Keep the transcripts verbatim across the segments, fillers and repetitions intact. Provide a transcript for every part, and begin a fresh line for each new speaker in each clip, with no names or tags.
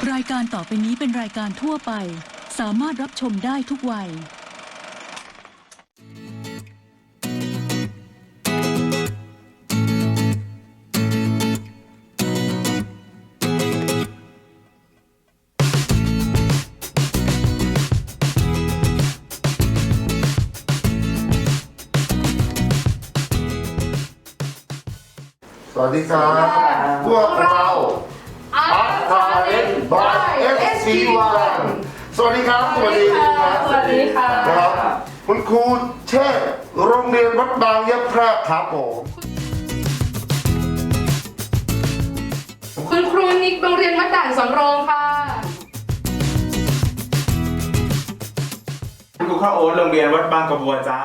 รายการต่อไปนี้เป็นรายการทั่วไปสามารถรับชมได้ทุกวัย
สวัสดีครับพวกเราอาร์ตาเลนบาย เอส พี วัน สวัสดีครับสวัสดีครับ
สวัสดีค่ะ
ครับคุณครูเชษฐ์โรงเรียนวัดบางยะแพรกครับผม
คุณครูนิกโรงเรียนวัดด่านสำโรงค่ะ
คุณครูข้าวโอ๊ตโรงเรียนวัดบางกระบัวจ้า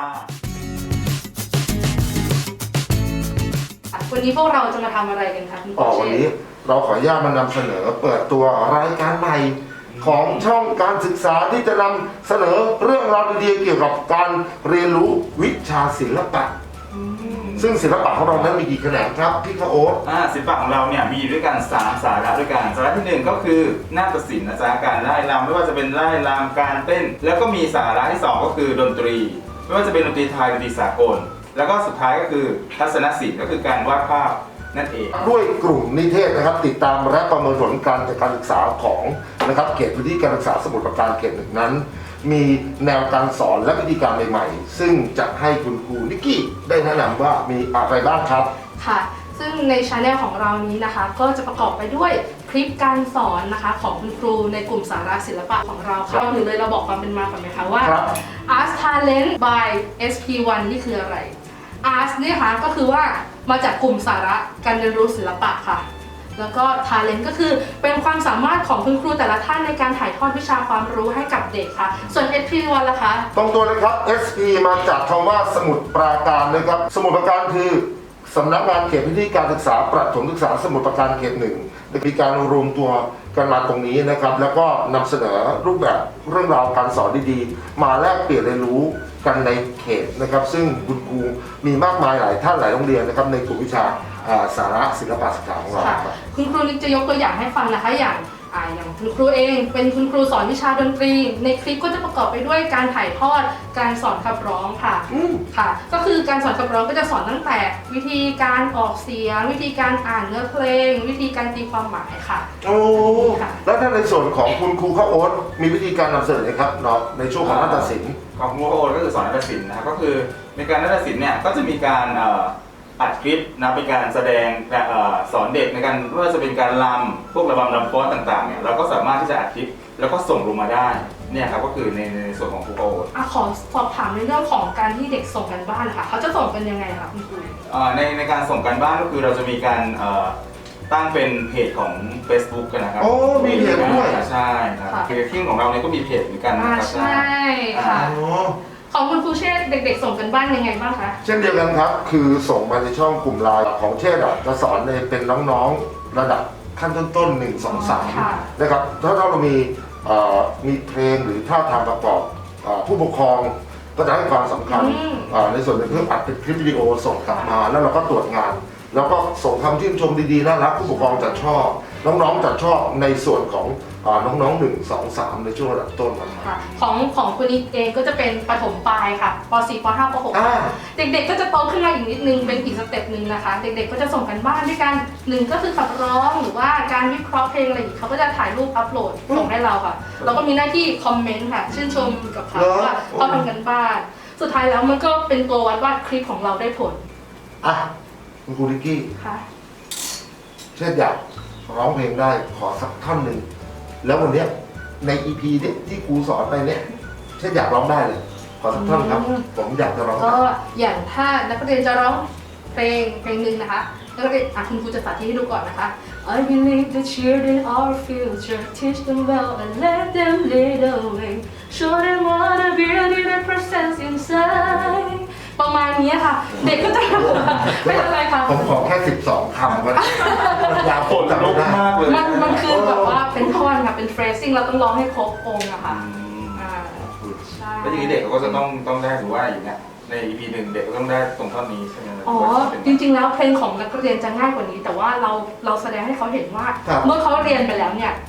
วันนี้พวกเราจะมาทำอะไรกันคะคุณครูเชษฐ์
วันนี้เราขออนุญาตมานำเสนอเปิดตัวรายการใหม่ของช่องการศึกษาที่จะนำเสนอเรื่องราวดีๆเกี่ยวกับการเรียนรู้วิชาศิลปะซึ่งศิลปะของเรานั้นมีกี่แขนงครับพี่ข้าวโอ๊ต
อ่าศิลปะของเราเนี่ยมีอยู่ด้วยกันสามสาระด้วยกันสาระที่หนึ่งก็คือนาฏศิลป์นะจ๊ะการไล่รำไม่ว่าจะเป็นไล่รำการเต้นแล้วก็มีสาระที่สองก็คือดนตรีไม่ว่าจะเป็นดนตรีไทยดนตรีสากลแล้วก็สุดท้ายก็คือทัศนศิลป์ก็คือการวาดภาพนั่นเอง
ด้วยกลุ่มนิเทศนะครับติดตามและประเมินผลการจัดการศึกษาของนะครับเขตพื้นที่การศึกษาสมุทรปราการเขตหนึ่งนั้นมีแนวการสอนและวิธีการใหม่ๆซึ่งจะให้คุณครูนิกกี้ได้แนะนำว่ามีอะไรบ้างครับ
ค่ะซึ่งในช anel ของเรานี้นะคะก็จะประกอบไปด้วยคลิปการสอนนะคะของคุณครูในกลุ่มสาระศิลปะของเราค่ะก่อนอื่นเลยเราบอกความเป็นมาก่อนไหมคะว่า Art Talent by เอส พี วัน นี่คืออะไร Art เนี่ยค่ะก็คือว่ามาจากกลุ่มสาระการเรียนรู้ศิลปะค่ะแล้วก็ Talent ก็คือเป็นความสามารถของคุณครูแต่ละท่านในการถ่ายทอดวิชาความรู้ให้กับเด็กค่ะส่วน เอส พี วัน ล่ะคะ
ตรงตัวเลยครับ เอส พี มาจากคำว่าสมุทรปราการนะครับสมุทรปราการคือสำนักงานเขตพื้นที่การศึกษาประถมศึกษาสมุทรปราการเขตหนึ่งมีการรวมตัวกันมาตรงนี้นะครับแล้วก็นำเสนอรูปแบบเรื่องราวการสอนดีๆมาแลกเปลี่ยนเรียนรู้กันในเขตนะครับซึ่งคุณครูมีมากมายหลายท่านหลายโรงเรียนนะครับในกลุ่มวิชาสาระศิลปะศึกษาของเราครับ
คุณครูนิกจะยกตัวอย่างให้ฟังนะคะอย่างอ่าอย่างคุณครูเองเป็นคุณครูสอนวิชาดนตรีในคลิปก็จะประกอบไปด้วยการถ่ายทอดการสอนขับร้องค่ะค่ะก็คือการสอนขับร้องก็จะสอนตั้งแต่วิธีการออกเสียงวิธีการอ่านเนื้อเพลงวิธีการตีความหมายค่ะ
โอ้แล้วถ้าในส่วนของคุณครูข้าวโอ๊ตมีวิธีการนำเสนอครับเนาะในช่วงของนาฏศิลป์
ของคุณครูข้าวโอ๊ตก็คือสอนนาฏศิลป์นะครับก็คือในการนาฏศิลป์เนี่ยก็จะมีการอัดคลิปนะเป็นการแสดงสอนเด็กในการไม่ว่าจะเป็นการรำพวกระบำรำฟ้อนต่างๆเนี่ยเราก็สามารถที่จะอัดคลิปแล้วก็ส่งลงมาได้เนี่ยครับก็คือในในส่วนของครูโอ๊ต
อ่ะขอสอบถามในเรื่องของการที่เด็กส่งกันบ้านค่ะเขาจะส่งกันยังไงคะคุณครู
ในในการส่งกันบ้านก็คือเราจะมีการตั้งเป็นเพจของ Facebook กันนะครับ
โอ้มีเพจด้วย
ใช่ครับคือที่ของเราเนี่ยก็มีเพจเหมือนกันนะครับ
ใช่ค่ะของคุณครูเชษฐ์เด็กๆส่งกันบ้านยังไงบ้างคะ
เช่นเดียวกันครับคือส่งมาในช่องกลุ่มไลน์ของเชษฐ์จะสอนในเป็นน้องๆระดับขั้นต้นๆหนึ่งสองสามนะครับถ้าเรามีมีเพลงหรือท่าทางประกอบผู้ปกครองก็จะให้ความสำคัญในส่วนในเพื่ออัดเป็นคลิปวิดีโอส่งกลับมาแล้วเราก็ตรวจงานแล้วก็ส่งคำชื่นชมดีๆน่ารักผู้ปกครองจะชอบน้องๆจะชอบในส่วนของน้องๆหนึ่ง สอง สามในช่วงระดับต้น
ค่ะของของคุณนิกเองก็จะเป็นประถมปลายค่ะป .สี่ ป .ห้า ป .หก เด็กๆก็จะโตขึ้นมาอีกนิดนึงเป็นอีกสเต็ปหนึ่งนะคะเด็กๆก็จะส่งกันบ้านด้วยกันหนึ่งก็คือขับร้องหรือว่าการวิเคราะห์เพลงอะไรเขาก็จะถ่ายรูปอัพโหลดส่งให้เราค่ะเราก็มีหน้าที่คอมเมนต์ค่ะชื่นชมกับเขาว่าเขาทำกันบ้านสุดท้ายแล้วมันก็เป็นตัววัดว่าคลิปของเราได้ผล
อ่ะคุณครูนิกกี้
ค่ะ
เช่นอยากร้องเพลงได้ขอสักท่อนหนึ่งแล้ววันนี้ใน อี พี นี้ที่ครูสอนไปเนี่ยเช่นอยากร้องได้เลยขอสักท่อนครับผมอยากจะร้อง
ก็อย่างถ้านักเรียนจะร้องเพลงเพลงหนึ่งนะคะนักเรียนอ่ะคุณครูจะสาธิตให้ดูก่อนนะคะ I believe the children are our future teach them well and let them lead the way show them what the beauty that presents insideประมาณนี้ค่ะเด็กก็จะไม่อะไรค่ะ
ผมขอแค่สิบสองคำก็ยาวโคตรลุกมากเลย
มันมันคือแบบว่าเป็นท่อนค่ะเป็น phrasing เราต้องร้องให้ครบองค์อะค่ะ
ใช่แล้วอย่างนี้เด็กก็จะต้องต้องได้ถือว่าอย่างเงี้ยใน อี พี หนึ่งเด็กก็ต้องได้ตรงท่อนนี้ใช่ไหม
อ๋อจริงๆแล้วเพลงของนักเรียนจะง่ายกว่านี้แต่ว่าเราเราแสดงให้เขาเห็นว่าเมื่อเขาเรียนไปแล้วเนี่ย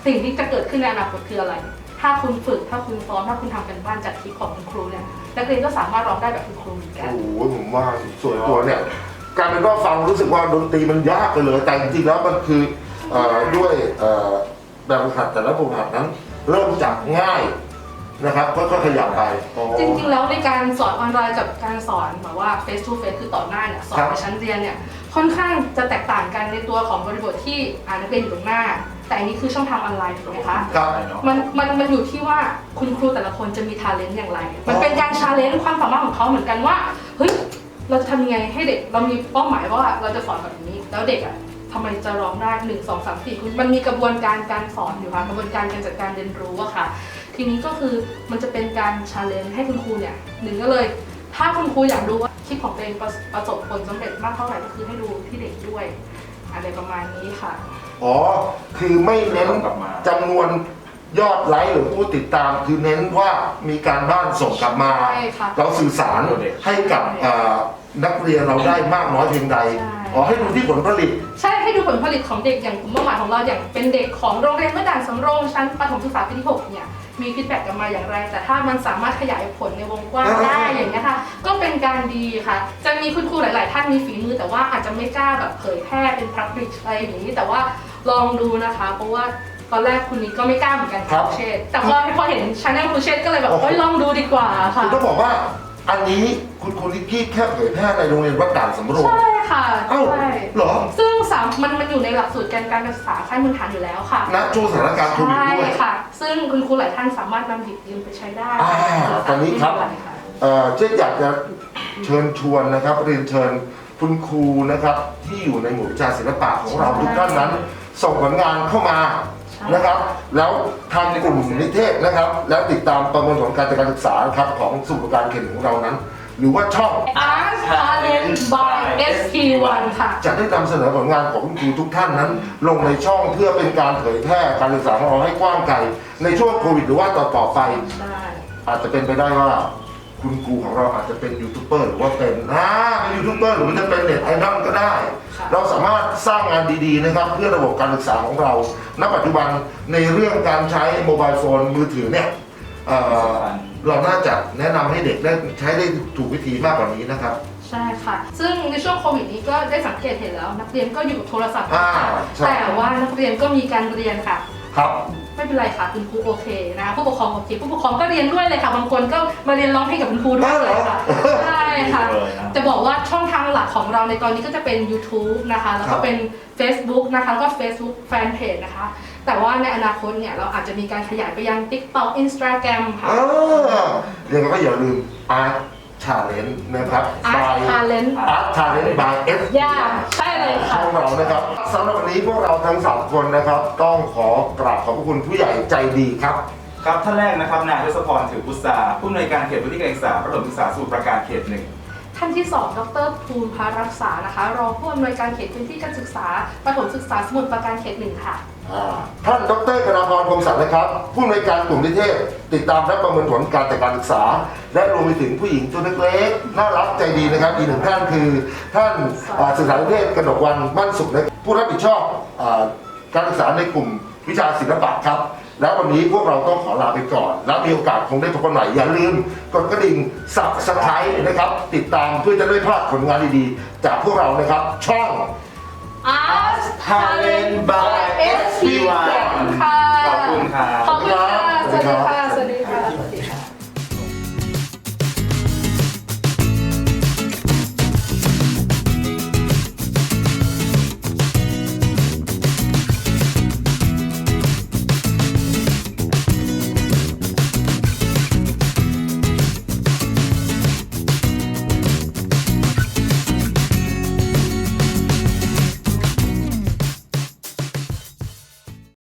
สิ่งที่จะเกิดขึ้นในอนาคตคืออะไร ถ้าคุณฝึกถ้าคุณซ้อมถ้าคุณทำกันบ้านจากคลิปของคุณครูเนี่ยนักเรียนก็สามารถร้องได้แบบคุณครูเหมือนกัน
โอ้โหผมว่าส่วนตัวเนี่ยการเป็นว่าฟังรู้สึกว่าดนตรีมันยากไปเลยแต่จริงๆแล้วมันคือเอ่อด้วยเอ่อแบบฝึกหัดแต่ละแบบฝึกหัดนั้น เริ่มจากง่ายนะครับก็ขยับไป
จริงๆแล้วในการสอนออนไลน์กับการสอนแบบว่า face to face คือต่อหน้าเนี่ยสอนในชั้นเรียนเนี่ยค่อนข้างจะแตกต่างกันในตัวของบริบทที่อ่านนักเรียนอยู่ตรงหน้า แต่อันนี้คือช่องทางออนไลน์ถูกไหมคะ
ครับ
มันมันมันอยู่ที่ว่าคุณครูแต่ละคนจะมีทาเลนต์อย่างไร มันเป็นการชาเลนจ์ความสามารถของเขาเหมือนกันว่าเฮ้ยเราจะทำยังไงให้เด็กเรามีเป้าหมายว่าเราจะสอนแบบนี้แล้วเด็กอ่ะทำไมจะร้องได้หนึ่งสองสามสี่มันมีกระบวนการการสอนอยู่ค่ะกระบวนการการจัดการเรียนรู้อะค่ะทีนี้ก็คือมันจะเป็นการชาเลนจ์ให้คุณครูเนี่ยหนึ่งก็เลย ถ้าคุณครูอยากดูว่าคลิปของตัวเองประประสบผลสำเร็จมากเท่าไหร่ก็คือให้ดูที่เด็กด้วยอะไรประมาณนี้ค่ะ
อ๋อคือไม่เน้นจำนวนยอดไลค์หรือผู้ติดตามคือเน้นว่ามีการบ้านส่งกลับมา
ใช่ค่ะ
เราสื่อสารให้กับเอ่อนักเรียนเราได้มากน้อยเพียงใด
ใช่
อ๋อให้ดูที่ผลผลิต
ใช่ให้ดูผลผลิตของเด็กอย่างกลุ่มเป้าหมายของเราอย่างเป็นเด็กของโรงเรียนเมื่อด่านสำโรงชั้นประถมศึกษาปีที่หกเนี่ยมีฟีดแบ็กกลันมาอย่างไร แต่ถ้ามันสามารถขยายผลในวงกว้างได้อย่างนี้ยค่ะก็เป็นการดีค่ะ จะมีคุณครูหลาย ๆ ท่านมีฝีมือแต่ว่าอาจจะไม่กล้าแบบเผยแพร่เป็นพับลิชอะไรอย่างนี้แต่ว่าลองดูนะคะ เพราะว่าตอนแรกคุณนี้ก็ไม่กล้าเหมือนกัน
ครับ
ครูเชษแต่พอพอเห็นชาแนลครูเชษก็เลยแบบเฮ้ยลองดูดีกว่าค่ะ
คือต้องบอกว่าอันนี้คุณคุณลิกกี้แค่เผยแพร่ในโรงเรียนวัดด่านสำโรง
ใช่ค่ะ
เอ้า
ใช่
เหรอ
ซึ่งสามมันมันอยู่ในหลักสูตรการการศึกษาขั้นพื้นฐานอยู่แล้วค่ะ
ณช่วงสถานการณ์โควิด
ใช่
ด้วย
ค่ะ ซึ่งคุณครูหลายท่านสามารถนำหยิบยืมไปใช้ได้
อ่าตอนนี้ครับ เอ่อเช่นอยากจะเชิญชวนนะครับเรียนเชิญคุณครูนะครับที่อยู่ในหมู่วิชาศิลปะของเราทุกท่านนั้น ส่งผลงานเข้ามานะครับ แล้วทางกลุ่มนิเทศนะครับ แล้วติดตามประเมินผลการจัดการศึกษาครับของสมุดการเขียนของเรานั้น หรือว่าช่อง
Art Talent by เอส พี วัน ค่ะ
จะได้นำเสนอผลงานของคุณครูทุกท่านนั้น ลงในช่องเพื่อเป็นการเผยแพร่การศึกษาของเราให้กว้างไกลในช่วงโควิดหรือว่าต่อต่อๆไป
ได้
อาจจะเป็นไปได้ว่าคุณครูของเราอาจจะเป็นยูทูบเบอร์หรือว่าเป็นอ่าเป็นยูทูบเบอร์หรือว่าจะเป็นเน็ตไอดอลก็ได้ เราสามารถสร้างงานดีๆนะครับเพื่อระบบการศึกษาของเรา ณ ปัจจุบันในเรื่องการใช้โมบายโฟนมือถือเนี่ยเอ่อเราน่าจะแนะนำให้เด็กได้ใช้ได้ถูกวิธีมากกว่านี้นะครับ
ใช่ค่ะ ซึ่งในช่วงโควิดนี้ก็ได้สังเกตเห็นแล้ว นักเรียนก็อยู่กับโทรศัพท์
อ่าใช่
แต่ว่านักเรียนก็มีการเรียนค่ะ
ครับ
ไม่เป็นไรค่ะคุณครูโอเคนะคะผู้ปกครองโอเคผู้ปกครองก็เรียนด้วยเลยค่ะบางคนก็มาเรียนร้องเพลงกับคุณครูด้วยเลยค่ะใช่ค่ะจะบอกว่าช่องทางหลักของเราในตอนนี้ก็จะเป็น YouTube นะคะแล้วก็เป็น Facebook นะคะแล้วก็ Facebook Fanpage นะคะ แต่ว่าในอนาคตเนี่ยเราอาจจะมีการขยายไปยัง TikTok Instagram ค่ะ
อ่าเรียนก็อย่าลืม Art Challenge นะครับ
Art Talent
Art Challenge by เอส
ย่าใช่เลยค่ะ
ช่องเรานะครับสำหรับวันนี้พวกเราทั้งสามคนนะครับ ต้องขอกราบขอบพระคุณผู้ใหญ่ใจดีครับ
ครับท่านแรกนะครับนายทศพรถือพุทธาผู้อำนวยการเขตพื้นที่การศึกษาประถมศึกษาสมุทรปราการเขตหนึ่ง
ท่านที่สองดรภูมิพารักษานะคะรองผู้อำนวยการเขตพื้นที่การศึกษาประถมศึกษาสมุทรปราการเขตหนึ่งค่ะ
อ่าท่านดรกนพรพรหมสันนะครับ ผู้อำนวยการกลุ่มนิเทศ ติดตามและประเมินผลการจัดการศึกษา และรวมไปถึงผู้หญิงตัวเล็กๆน่ารักใจดีนะครับอีกหนึ่งท่านคือ ท่านอ่าศึกษานิเทศกนกวันมั่นสุขนะผู้รับผิดชอบอาการศึกษาในกลุ่มวิชาศิลปะครับ แล้ววันนี้พวกเราต้องขอลาไปก่อน แล้วมีโอกาสคงได้พบกันใหม่อย่าลืมกดกระดิ่งสับสไครต์นะครับ ติดตามเพื่อจะได้พลาดผลงานดีๆ จากพวกเรานะครับ ช่อง
Art
Talent by เอส พี วัน
ค่ะ
ขอบคุณครับ
ขอบคุณค่ะ สวัสดีค่ะ